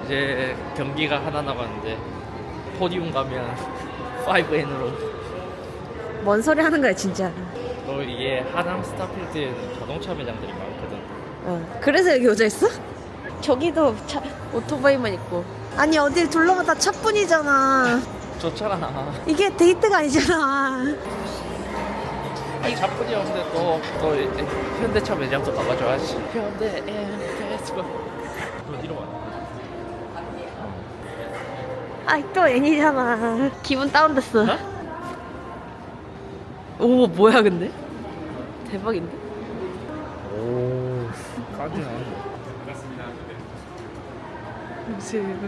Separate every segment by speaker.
Speaker 1: 이제 경기가 하나 남았는데 포디움 가면 5N으로.
Speaker 2: 뭔 소리 하는 거야 진짜.
Speaker 1: 너 이게 하남 스타필드에는 자동차 매장들이 많거든.
Speaker 2: 그래서 여기 오자 했어? 저기도 차 오토바이만 있고. 아니 어딜 둘러봐다 차뿐이잖아.
Speaker 1: 좋잖아.
Speaker 2: 이게 데이트가 아니잖아.
Speaker 1: 아니 차뿐이었는데 또 현대차 매장도 가봐줘야지. 현대 페스티벌. 너 이리 와.
Speaker 2: 아이 또 애니잖아. 기분 다운됐어. 오 뭐야 근데? 대박인데?
Speaker 1: 오, 까지나.
Speaker 2: 무슨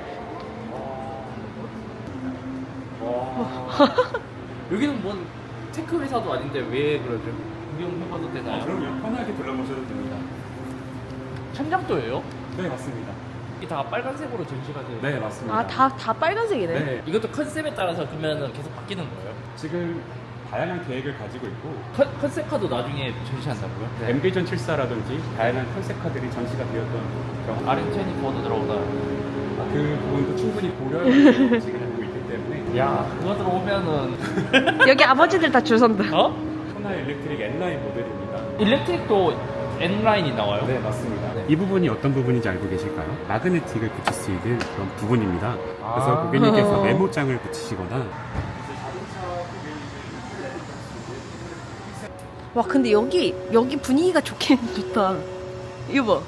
Speaker 1: 여기는 뭔 테크 회사도 아닌데 왜 그러죠? 구경해봐도 되나요?
Speaker 3: 그럼요. 편하게 둘러보셔도 됩니다.
Speaker 1: 천장도예요?
Speaker 3: 네, 맞습니다.
Speaker 1: 이게 다 빨간색으로 전시가 돼요.
Speaker 3: 네, 맞습니다.
Speaker 2: 아다 빨간색이네.
Speaker 3: 네,
Speaker 1: 이것도 컨셉에 따라서 그러면 계속 바뀌는 거예요?
Speaker 3: 지금 다양한 계획을 가지고 있고
Speaker 1: 컨셉카도 나중에 전시한다고요?
Speaker 3: 엠비전 74라든지 다양한 컨셉카들이 전시가 되었던 경우
Speaker 1: 아렌체니 보드 들어오다.
Speaker 3: 그 부분도 충분히 고려해서 지금 하고 있기 때문에
Speaker 1: 야, 그거 들어오면은
Speaker 2: 여기 아버지들 다 줄 선다.
Speaker 1: 어?
Speaker 3: 호나 일렉트릭 N라인 모델입니다.
Speaker 1: 일렉트릭도 N라인이 나와요?
Speaker 3: 네, 맞습니다. 이 부분이 어떤 부분인지 알고 계실까요? 마그네틱을 붙일 수 있는 그런 부분입니다. 그래서
Speaker 1: 아.
Speaker 3: 고객님께서 메모장을 붙이시거나
Speaker 2: 와 근데 여기 분위기가 좋긴 좋다. 이거 봐.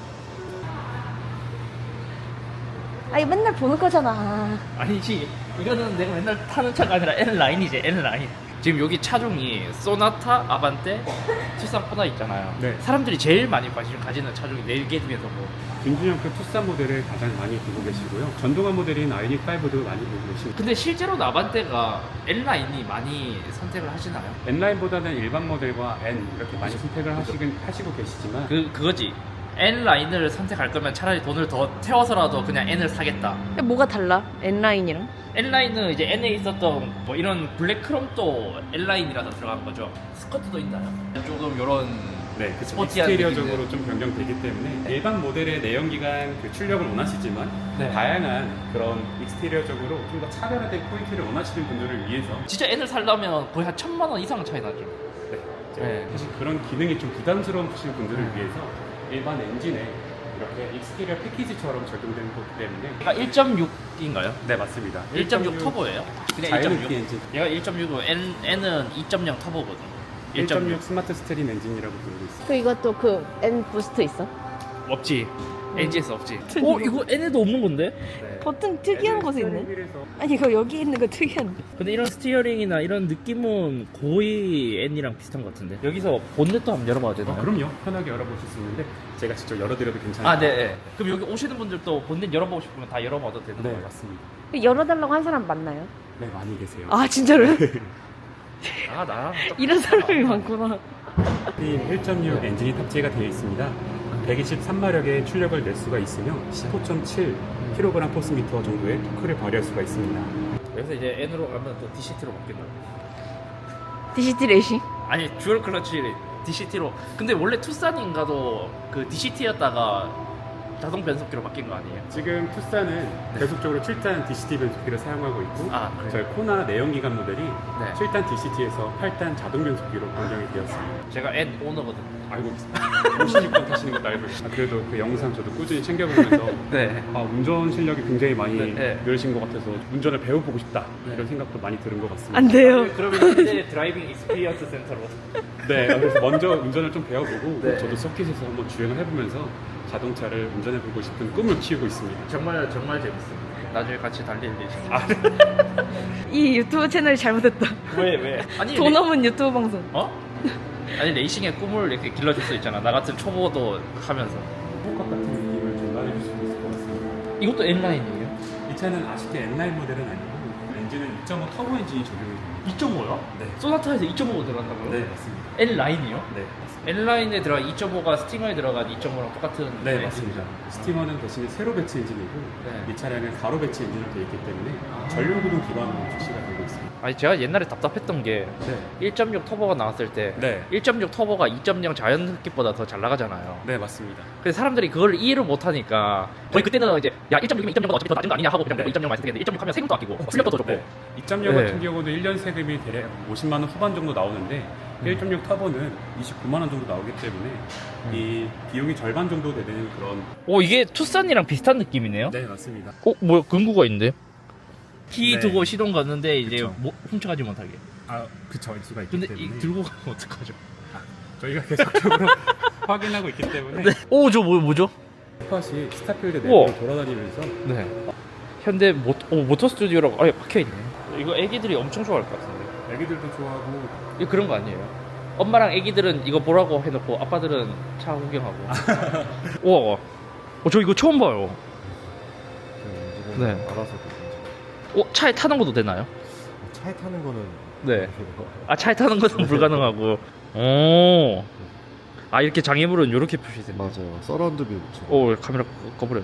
Speaker 2: 아니 맨날 보는 거잖아.
Speaker 1: 아니지, 이거는 내가 맨날 타는 차가 아니라 N라인이지. N라인. 지금 여기 차종이 소나타, 아반떼, 투싼 코나 있잖아요.
Speaker 3: 네.
Speaker 1: 사람들이 제일 많이 관심 가지는 차종이 4개 중에서 뭐
Speaker 3: 김준영급 투싼 모델을 가장 많이 보고 계시고요. 전동화 모델인 아이닉5도 많이 보고 계시고
Speaker 1: 근데 실제로 아반떼가 N라인이 많이 선택을 하시나요?
Speaker 3: N라인보다는 일반 모델과 N 이렇게 많이 선택을 하시고 계시지만
Speaker 1: 그거지. N라인을 선택할 거면 차라리 돈을 더 태워서라도 그냥 N을 사겠다.
Speaker 2: 뭐가 달라? N라인이랑?
Speaker 1: N라인은 이제 N에 있었던 뭐 이런 블랙크롬도 N라인이라서 들어간 거죠. 스커트도 있나요? 조금 요런
Speaker 3: 네, 그
Speaker 1: 스포티한
Speaker 3: 익스테리어적으로
Speaker 1: 느낌의.
Speaker 3: 좀 변경되기 때문에 일반 모델의 내연기관 그 출력을 원하시지만
Speaker 1: 네.
Speaker 3: 다양한 그런 익스테리어적으로 좀 더 차별화된 포인트를 원하시는 분들을 위해서
Speaker 1: 진짜 N을 살려면 거의 한 1,000만 원 이상 차이 나죠.
Speaker 3: 네,
Speaker 1: 네.
Speaker 3: 사실 그런 기능이 좀 부담스러우신 분들을 위해서 일반 엔진에 이렇게 익스테리어 패키지처럼 적용되는 거기 때문에
Speaker 1: 얘가 1.6인가요?
Speaker 3: 네, 맞습니다.
Speaker 1: 1.6 터보예요? 그냥
Speaker 3: 자연흡기
Speaker 1: 1.6.
Speaker 3: 엔진
Speaker 1: 얘가 1.6이고 N은 2.0 터보거든.
Speaker 3: 1.6 스마트 스트림 엔진이라고 부르고 있습니다.
Speaker 2: 그 이것도 그 N 부스트 있어?
Speaker 1: 없지. NGS 없지. 이거 N에도 없는 건데?
Speaker 3: 네.
Speaker 2: 버튼 특이한 곳에 있네.
Speaker 3: 스티어링휠에서
Speaker 2: 아니 이거 여기 있는 거 특이한.
Speaker 1: 근데 이런 스티어링이나 이런 느낌은 거의 N이랑 비슷한 것 같은데. 여기서 본넷도 한번 열어봐도 되나요?
Speaker 3: 그럼요. 편하게 열어보실 수 있는데 제가 직접 열어드려도 괜찮아요?
Speaker 1: 아, 네, 네. 그럼 여기 오시는 분들도 본넷 열어보고 싶으면 다 열어봐도 되는
Speaker 3: 네,
Speaker 1: 거예요?
Speaker 3: 맞습니다.
Speaker 2: 열어달라고 한 사람 맞나요?
Speaker 3: 네, 많이 계세요.
Speaker 2: 아 진짜로?
Speaker 1: 아, 나랑
Speaker 2: 이런 사람이 많구나.
Speaker 3: 1.6 엔진이 탑재가 되어 있습니다. 123마력의 출력을 낼 수가 있으며 15.7kg 포스미터 정도의 토크를 발휘할 수가 있습니다.
Speaker 1: 여기서 이제 N으로 가면 또 DCT로 바뀐다.
Speaker 2: DCT 레이싱?
Speaker 1: 아니, 듀얼 클러치 DCT로. 근데 원래 투싼인가도 그 DCT였다가 자동 변속기로 바뀐 거 아니에요?
Speaker 3: 지금 투싼은 계속적으로 7단 DCT 변속기를 사용하고 있고
Speaker 1: 아, 그래요?
Speaker 3: 저희 코나 내연기관 모델이
Speaker 1: 네.
Speaker 3: 7단 DCT에서 8단 자동 변속기로 변경이 되었습니다.
Speaker 1: 제가 N 오너거든.
Speaker 3: 알고 있습니다. 56번 타시는 것도 알고 있습니다. 그래도 그 영상 저도 꾸준히 챙겨보면서
Speaker 1: 네.
Speaker 3: 운전 실력이 굉장히 많이
Speaker 1: 네.
Speaker 3: 늘으신 것 같아서 운전을 배워보고 싶다
Speaker 1: 네.
Speaker 3: 이런 생각도 많이 드는 것 같습니다.
Speaker 2: 안 돼요.
Speaker 1: 그러면 현재 드라이빙 익스피리언스 센터로.
Speaker 3: 네, 그래서 먼저 운전을 좀 배워보고
Speaker 1: 네.
Speaker 3: 저도 서킷에서 한번 주행을 해보면서 자동차를 운전해보고 싶은 꿈을 키우고 있습니다.
Speaker 1: 정말 재밌습니다. 나중에 같이 달릴 예정.
Speaker 3: 아,
Speaker 2: 이 유튜브 채널이 잘못했다.
Speaker 1: 왜? 아니
Speaker 2: 돈 없는 유튜브 방송.
Speaker 1: 어? 아니 레이싱의 꿈을 이렇게 길러줄 수 있잖아. 나 같은 초보도 하면서.
Speaker 3: 똑같 같은 느낌을 전달해줄 수 있을 것 같습니다.
Speaker 1: 이것도 N라인이에요?
Speaker 3: 이 차는 아쉽게 N라인 모델은 아니고 엔진은 2.5 터보 엔진이 적용이 됩니다.
Speaker 1: 2.5요?
Speaker 3: 네.
Speaker 1: 소나타에서 2.5가 들어간다고요?
Speaker 3: 네, 맞습니다.
Speaker 1: N라인이요?
Speaker 3: 네, 맞습니다.
Speaker 1: N라인에 들어간 2.5가 스팅어에 들어간 2.5랑 똑같은
Speaker 3: 네, 맞습니다. 스티머는 대신에 세로 배치 엔진이고
Speaker 1: 네.
Speaker 3: 이 차량은 가로 배치 엔진으로 되어 있기 때문에
Speaker 1: 아.
Speaker 3: 전륜구동 기반으로 출시가 되고 있습니다.
Speaker 1: 아니 제가 옛날에 답답했던 게
Speaker 3: 네,
Speaker 1: 1.6 터보가 나왔을 때
Speaker 3: 네,
Speaker 1: 1.6 터보가 2.0 자연 흡기보다 더 잘 나가잖아요.
Speaker 3: 네, 맞습니다.
Speaker 1: 근데 사람들이 그걸 이해를 못하니까 저희 그때는 이제 야 1.6이면 2.0보다 어차피 더 낮은 거 아니냐 하고 그냥
Speaker 3: 네.
Speaker 1: 2.0 많이 쓰는데 1.6 하면 세금도 아끼고 출력도 더 좋고
Speaker 3: 네. 2.0
Speaker 1: 네.
Speaker 3: 같은 경우는 1년 세금이 대략 50만 원 후반 정도 나오는데 1.6 터보는 29만 원 정도 나오기 때문에 이 비용이 절반 정도 되는 그런.
Speaker 1: 오 이게 투싼이랑 비슷한 느낌이네요.
Speaker 3: 네, 맞습니다.
Speaker 1: 뭐야 근구가 있는데? 키
Speaker 3: 네.
Speaker 1: 두고 시동 갔는데 이제
Speaker 3: 그쵸.
Speaker 1: 훔쳐가지 못하게.
Speaker 3: 아, 그쵸, 일 수가 있기
Speaker 1: 근데
Speaker 3: 때문에
Speaker 1: 이 들고 가면 어떡하죠?
Speaker 3: 저희가 계속적으로 확인하고 있기 때문에
Speaker 1: 오 저 뭐죠?
Speaker 3: 스팟이 스타필드
Speaker 1: 우와.
Speaker 3: 내부로 돌아다니면서
Speaker 1: 네. 현대 모터 스튜디오라고 아예 박혀 있네. 이거 애기들이 엄청 좋아할 것 같은데.
Speaker 3: 애기들도 좋아하고.
Speaker 1: 이거 그런 거 아니에요? 엄마랑 애기들은 이거 보라고 해놓고 아빠들은 차 구경하고. 우와. 저 이거 처음 봐요. 네.
Speaker 4: 알아서
Speaker 1: 차에 타는 것도 되나요?
Speaker 4: 차에 타는 거는
Speaker 1: 네. 차에 타는 것은 불가능하고. 오. 이렇게 장애물은 이렇게 표시되네.
Speaker 4: 맞아요. 서라운드 뷰.
Speaker 1: 카메라 꺼버렸네.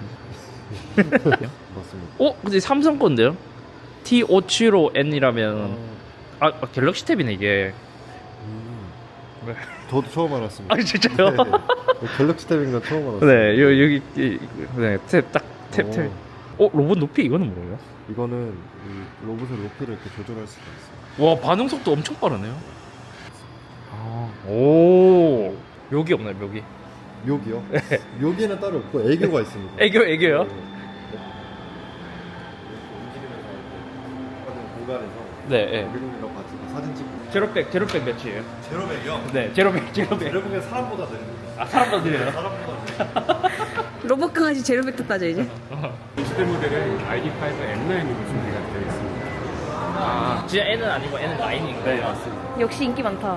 Speaker 4: 맞습니다.
Speaker 1: 근데 삼성 건데요? T575N이라면 갤럭시 탭이네 이게. 네.
Speaker 4: 저도 처음 알았습니다.
Speaker 1: 진짜요?
Speaker 4: 네. 갤럭시 탭인 건 처음 알았어요.
Speaker 1: 네, 여기 탭. 로봇 높이 이거는 뭐예요?
Speaker 4: 이거는 이 로봇의 높이를 이렇게 조절할 수가 있어요.
Speaker 1: 와 반응 속도 엄청 빠르네요. 오 묘기 없나요 묘기?
Speaker 4: 묘기요? 묘기는 따로 없고 애교가 있습니다.
Speaker 1: 애교요?
Speaker 4: 네. 공간에서
Speaker 1: 네.
Speaker 4: 우리랑 같이 사진 찍고.
Speaker 1: 제로백 몇이에요?
Speaker 4: 제로백이요?
Speaker 1: 네 제로백.
Speaker 4: 제로백은 사람보다 느립니다.
Speaker 1: 사람도 느려요?
Speaker 4: 사람보다 느립니다.
Speaker 2: 로봇 강아지 제로백도 따져 이제.
Speaker 3: 이 시대 모델은 ID5 N9으로 준비가 되어 있습니다.
Speaker 1: 진짜 N은 아니고 N은 라인인가요?
Speaker 3: 네, 맞습니다.
Speaker 2: 역시 인기 많다.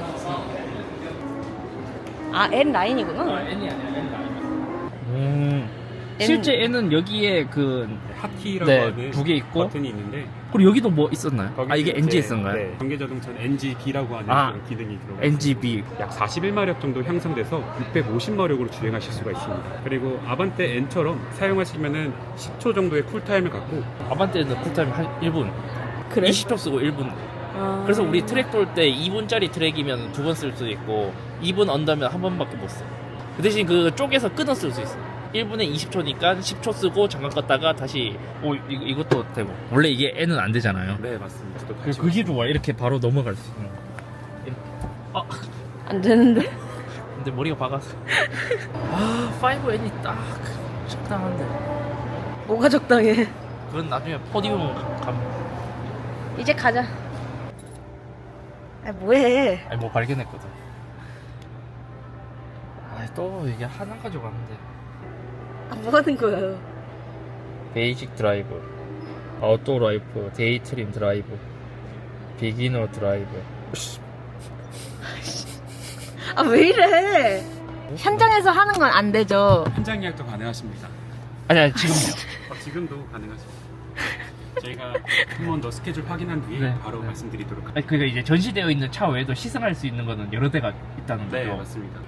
Speaker 2: N 라인이구나.
Speaker 1: N이 아니라 N 라인. 실제 N은 여기에 그
Speaker 3: 하키라고
Speaker 1: 네,
Speaker 3: 하는
Speaker 1: 두개 있고.
Speaker 3: 버튼이 있는데
Speaker 1: 그리고 여기도 뭐 있었나요? 이게
Speaker 3: 이제,
Speaker 1: NGS인가요?
Speaker 3: 네, 전기자동차는 NGB라고 하는 그런 기능이 들어가 있습니다.
Speaker 1: NGB.
Speaker 3: 약 41마력 정도 향상돼서 650마력으로 주행하실 수가 있습니다. 그리고 아반떼 N처럼 사용하시면은 10초 정도의 쿨타임을 갖고.
Speaker 1: 아반떼는 쿨타임 한 1분.
Speaker 2: 그래?
Speaker 1: 20초 쓰고 1분. 그래서 우리 트랙 돌 때 2분짜리 트랙이면 2번 쓸 수도 있고 2분 언더면 한 번밖에 못 써. 그 대신 그 쪼개서 끊어 쓸 수 있어. 1분에 20초니까 10초 쓰고 잠깐 껐다가 다시 이것도 되고. 원래 이게 N은 안 되잖아요.
Speaker 3: 네, 맞습니다. 저도 관심
Speaker 1: 그게 좋아. 이렇게 바로 넘어갈 수 있는.
Speaker 2: 안 되는데.
Speaker 1: 근데 머리가 박았어. 5N이 딱 적당한데.
Speaker 2: 뭐가 적당해.
Speaker 1: 그건 나중에 포디움 가면.
Speaker 2: 이제 가자. 뭐해?
Speaker 1: 뭐 발견했거든. 또 이게 하나 가져가는데.
Speaker 2: 뭐 하는 거야?
Speaker 1: 베이직 드라이브, 아웃도어 라이프, 데이트림 드라이브, 비기너 드라이브.
Speaker 2: 왜 이래? 현장에서 하는 건 안 되죠.
Speaker 3: 현장 예약도 가능하십니다.
Speaker 1: 아니 지금요.
Speaker 3: 지금도 가능하십니다. 저희가 한 번 더 스케줄 확인한 뒤에
Speaker 1: 네.
Speaker 3: 바로 말씀드리도록 하겠습니다.
Speaker 1: 그러니까 이제 전시되어 있는 차 외에도 시승할 수 있는 거는 여러 대가 있다는 거죠.
Speaker 3: 네, 맞습니다.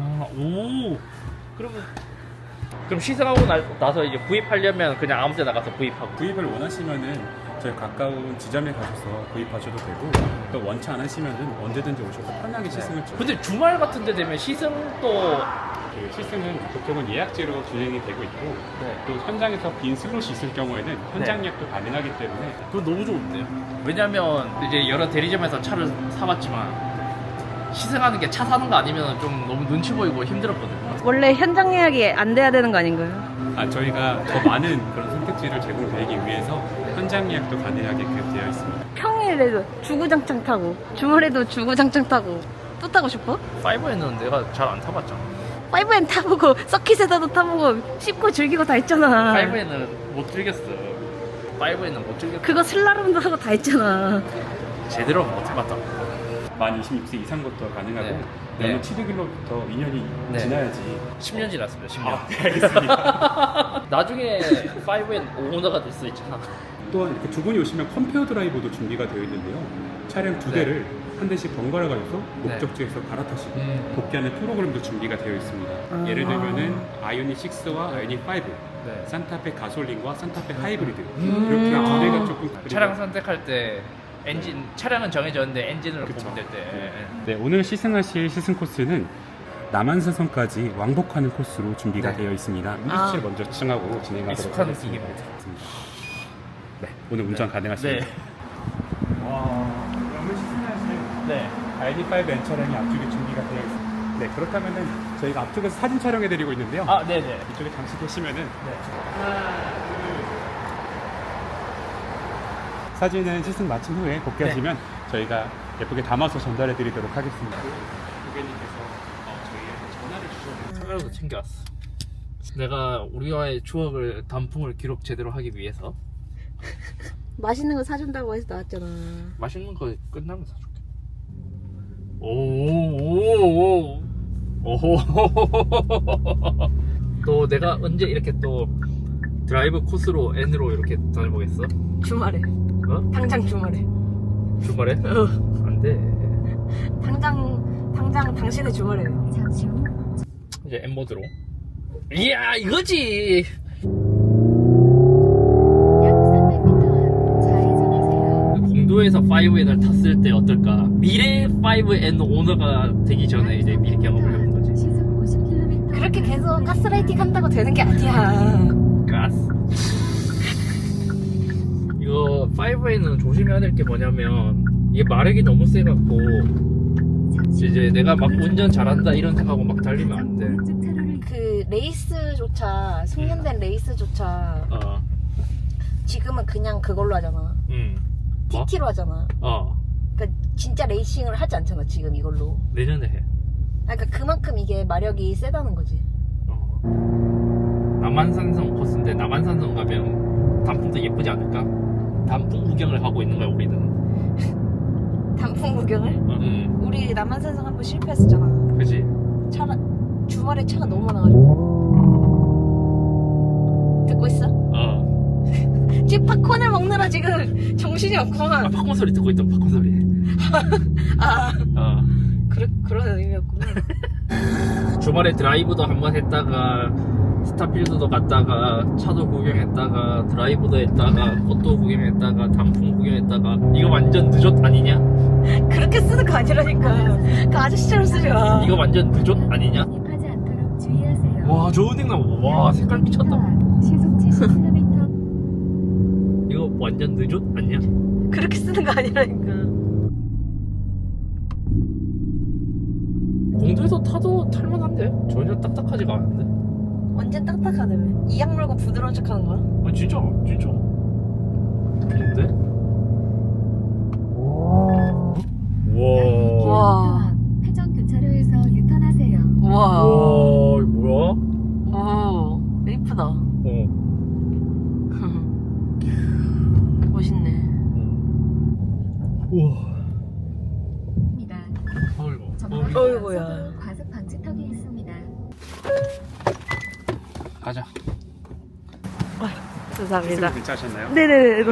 Speaker 1: 그럼 시승하고 나서 이제 구입하려면 그냥 아무 데나 가서 구입하고.
Speaker 3: 구입을 원하시면은 저희 가까운 지점에 가셔서 구입하셔도 되고, 또 원치 않으시면은 언제든지 오셔서 편하게 시승을 좀.
Speaker 1: 근데 주말 같은 데 되면 시승도
Speaker 3: 그 시승은 보통은 예약제로 진행이 되고 있고, 또 현장에서 빈 슬롯이 있을 경우에는 현장 예약도 가능하기 때문에.
Speaker 1: 그건 너무 좋은데요. 왜냐면 이제 여러 대리점에서 차를 사봤지만 시승하는 게 차 사는 거 아니면 좀 너무 눈치 보이고 힘들었거든요.
Speaker 2: 원래 현장 예약이 안 돼야 되는 거 아닌가요?
Speaker 3: 저희가 더 많은 그런 선택지를 제공드리기 위해서 현장 예약도 가능하게끔 되어 있습니다.
Speaker 2: 평일에도 주구장창 타고 주말에도 주구장창 타고 또 타고 싶어?
Speaker 1: 5N은 내가 잘 안 타봤잖아.
Speaker 2: 5N 타보고 서킷에서도 타보고 씹고 즐기고 다 했잖아.
Speaker 1: 5N은 못 즐겼어. 5N은 못 즐겼어.
Speaker 2: 그거 슬라롬도 하고 다 했잖아.
Speaker 1: 제대로 못 해봤다.
Speaker 3: 만 26세 이상 것도 가능하고,
Speaker 1: 네.
Speaker 3: 내년
Speaker 1: 네.
Speaker 3: 7일로부터 2년이
Speaker 1: 네.
Speaker 3: 지나야지.
Speaker 1: 10년 지났습니다. 10년.
Speaker 3: 네, 알겠습니다.
Speaker 1: 나중에 5N 오너가 될 수 있잖아.
Speaker 3: 또한 이렇게 두 분이 오시면 컴페어 드라이브도 준비가 되어 있는데요. 차량 두 대를 한 대씩 번갈아 가면서 목적지에서 갈아타시고 복귀하는 프로그램도 준비가 되어 있습니다. 예를 들면은 아이오닉 6와 아이오닉 5, 산타페 가솔린과 산타페 하이브리드 이렇게 두 대가 조금
Speaker 1: 차량 선택할 때 엔진 차량은 정해졌는데 엔진으로
Speaker 3: 그쵸.
Speaker 1: 보면 될 때.
Speaker 3: 네, 오늘 시승하실 시승 코스는 남한산성까지 왕복하는 코스로 준비가
Speaker 1: 네.
Speaker 3: 되어 있습니다. 운전실 먼저 층하고 진행하도록
Speaker 1: 익숙한
Speaker 3: 하겠습니다.
Speaker 1: 느낌입니다.
Speaker 3: 네, 오늘 운전 가능하십니다.
Speaker 1: 네.
Speaker 3: 오늘 시승하실
Speaker 1: 네.
Speaker 3: ID5 N 차량이 앞쪽에 준비가 되어 있습니다. 네, 그렇다면은 저희가 앞쪽에서 사진 촬영해드리고 있는데요.
Speaker 1: 아, 네네.
Speaker 3: 이쪽에 잠시 계시면은 사진은 시승 마친 후에 복귀하시면 저희가 예쁘게 담아서 전달해드리도록 하겠습니다. 고객님께서 저희에게 전화를 주셨는데
Speaker 1: 카메라도 챙겨왔어. 내가 우리와의 추억을 단풍을 기록 제대로 하기 위해서
Speaker 2: 맛있는 거 사준다고 해서 나왔잖아.
Speaker 1: 맛있는 거 끝나면 사줄게. 오오오오. 오호. 또 내가 언제 이렇게 또 드라이브 코스로 N으로 이렇게 다녀보겠어?
Speaker 2: 주말에.
Speaker 1: 어?
Speaker 2: 당장 주말에.
Speaker 1: 주말에? 안 돼.
Speaker 2: 당장 당신의 주말에.
Speaker 1: 이제 M 모드로. 이야 이거지. 공도에서 5N을 탔을 때 어떨까? 미래 5N 오너가 되기 전에 이제 미리 경험을 해본 거지.
Speaker 2: 그렇게 계속 가스라이팅 한다고 되는 게 아니야.
Speaker 1: 가스. 이거 5N은 조심해야 될 게 뭐냐면 이게 마력이 너무 세갖고 이제 내가 막 운전 잘한다 이런 생각하고 막 달리면 안 돼.
Speaker 2: 그 레이스조차 숙련된 레이스조차 지금은 그냥 그걸로 하잖아.
Speaker 1: 뭐?
Speaker 2: TT로 하잖아. 그러니까 진짜 레이싱을 하지 않잖아 지금 이걸로.
Speaker 1: 내년에 해.
Speaker 2: 그러니까 그만큼 이게 마력이 세다는 거지.
Speaker 1: 남한산성 코스인데 남한산성 가면 단풍도 예쁘지 않을까? 단풍 구경을 하고 있는 거야 우리는.
Speaker 2: 단풍 구경을? 우리 남한산성 한번 실패했었잖아.
Speaker 1: 그지?
Speaker 2: 주말에 차가 너무 많아가지고. 듣고 있어? 지금 팝콘을 먹느라 지금 정신이 없구만.
Speaker 1: 팝콘 소리 듣고 있던 팝콘 소리.
Speaker 2: 그런 의미였구나.
Speaker 1: 주말에 드라이브도 한번 했다가 스타필드도 갔다가 차도 구경했다가 드라이브도 했다가 꽃도 구경했다가 단풍 구경했다가 이거 완전 늦었 아니냐?
Speaker 2: 그렇게 쓰는 거 아니라니까. 그 아저씨처럼 쓰지 마.
Speaker 1: 이거 완전 늦었 아니냐? 와 좋은 냉나무. 와 색깔 미쳤다.
Speaker 5: 시속 70km.
Speaker 1: 이거 완전 늦었 아니야?
Speaker 2: 그렇게 쓰는 거 아니라니까.
Speaker 1: 공도에서 타도 탈만한데? 전혀 딱딱하지가 않은데?
Speaker 2: 완전 딱딱하다며. 이악 물고 부드러운 척 하는 거야?
Speaker 1: 아 진짜 좋은데? 와.
Speaker 2: 와.
Speaker 5: 회전 교차로에서 유턴하세요.
Speaker 2: 우와.
Speaker 1: 와 이거 뭐야?
Speaker 2: 오. 이쁘다. 멋있네.
Speaker 1: 우와.
Speaker 5: 입니다.
Speaker 1: 어이구.
Speaker 2: 어이구야.
Speaker 5: 과속 방지턱이 있습니다.
Speaker 1: 가자.
Speaker 2: 감사합니다.
Speaker 3: 시승 괜찮으셨나요?
Speaker 2: 네네네.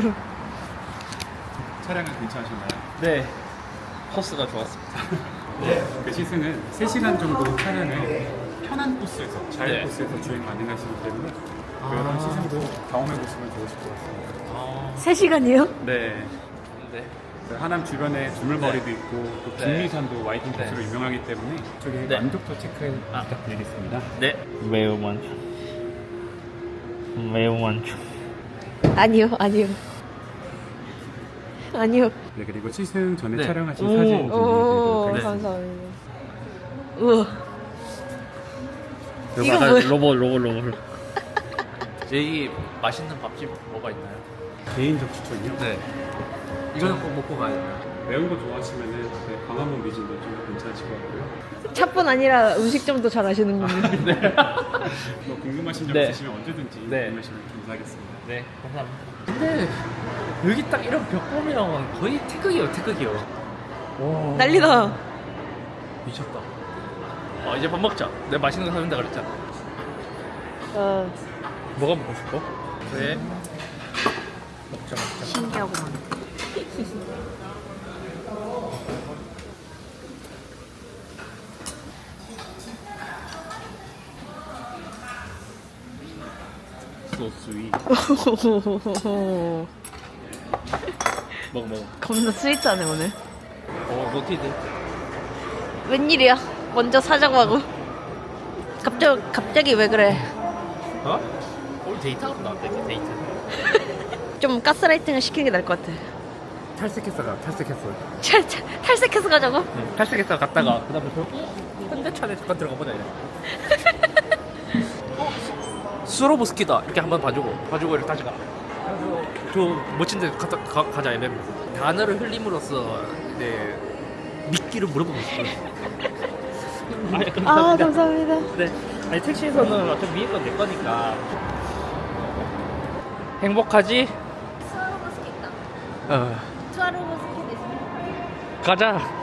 Speaker 3: 차량은 괜찮으셨나요?
Speaker 1: 네. 코스가 좋았습니다.
Speaker 3: 네, 그 시승은 3시간 정도 차량을 편한 코스에서 자유
Speaker 1: 네.
Speaker 3: 코스에서 주행 가능하시기 때문에 그런 시승도 경험해보시면 좋으실 것 같습니다.
Speaker 2: 3시간이요?
Speaker 3: 네,
Speaker 1: 네.
Speaker 3: 그 하남 주변에 두물머리도 있고 또 북미산도 와이팅
Speaker 1: 네.
Speaker 3: 코스로 유명하기 때문에 이쪽에
Speaker 1: 네.
Speaker 3: 만족도 체크 부탁드리겠습니다.
Speaker 1: 네. 매우 만족. 매우 만족.
Speaker 2: 아니요.
Speaker 3: 네, 그리고 시승 전에
Speaker 1: 네.
Speaker 3: 촬영하신
Speaker 1: 오.
Speaker 3: 사진 좀
Speaker 2: 오,
Speaker 3: 드리도록 하겠습니다.
Speaker 2: 감사합니다. 우와. 이거
Speaker 1: 맞아,
Speaker 2: 뭐야?
Speaker 1: 로봇. 여기 맛있는 밥집 뭐가 있나요?
Speaker 3: 개인적 추천이요?
Speaker 1: 네. 이거는 꼭 먹고 가야 돼요.
Speaker 3: 매운 거 좋아하시면은 네, 광화문 미진도 좀 괜찮으실 것 같고요.
Speaker 2: 차뿐 아니라 음식점도 잘 아시는군요.
Speaker 3: 뭐 궁금하신 점
Speaker 1: 네.
Speaker 3: 있으시면 언제든지
Speaker 1: 네.
Speaker 3: 궁금하시면 감사하겠습니다.
Speaker 1: 네, 감사합니다. 근데 여기 딱 이런 벽 보면 거의 태극이요. 와.
Speaker 2: 난리다.
Speaker 1: 미쳤다. 이제 밥 먹자. 내가 맛있는 거 사준다 그랬잖아.
Speaker 2: 어.
Speaker 1: 뭐가 먹고 싶어? 네. 먹자 먹자.
Speaker 2: 신기하구만.
Speaker 1: 소스위. 먹어 먹어.
Speaker 2: 겁나 스윗하네 오늘.
Speaker 1: 노티드.
Speaker 2: 웬일이야? 먼저 사자고 하고. 갑자기 왜 그래?
Speaker 1: 어? 오늘 데이트하고 나왔다 데이트.
Speaker 2: 좀 가스라이팅을 시키는 게 나을 것 같아.
Speaker 1: 탈색했어 탈색했어.
Speaker 2: 탈색해서 가자고?
Speaker 1: 응, 탈색했어 갔다가 그다음에 현대차에 잠깐 들어가 보자 이래. 스로브스키다 이렇게 한번 봐주고 이렇게 다시 가. 그래서 저 멋진데 가자 이래. 단어를 흘림으로써 이제 미끼를 물어보고 싶어.
Speaker 2: 아 감사합니다.
Speaker 1: 네. 아니 택시에서는 어차피 위에 건 내 거니까. 행복하지?
Speaker 2: 스와로브스키 있다.
Speaker 1: 어.
Speaker 2: 스와로브스키 대신.
Speaker 1: 가자.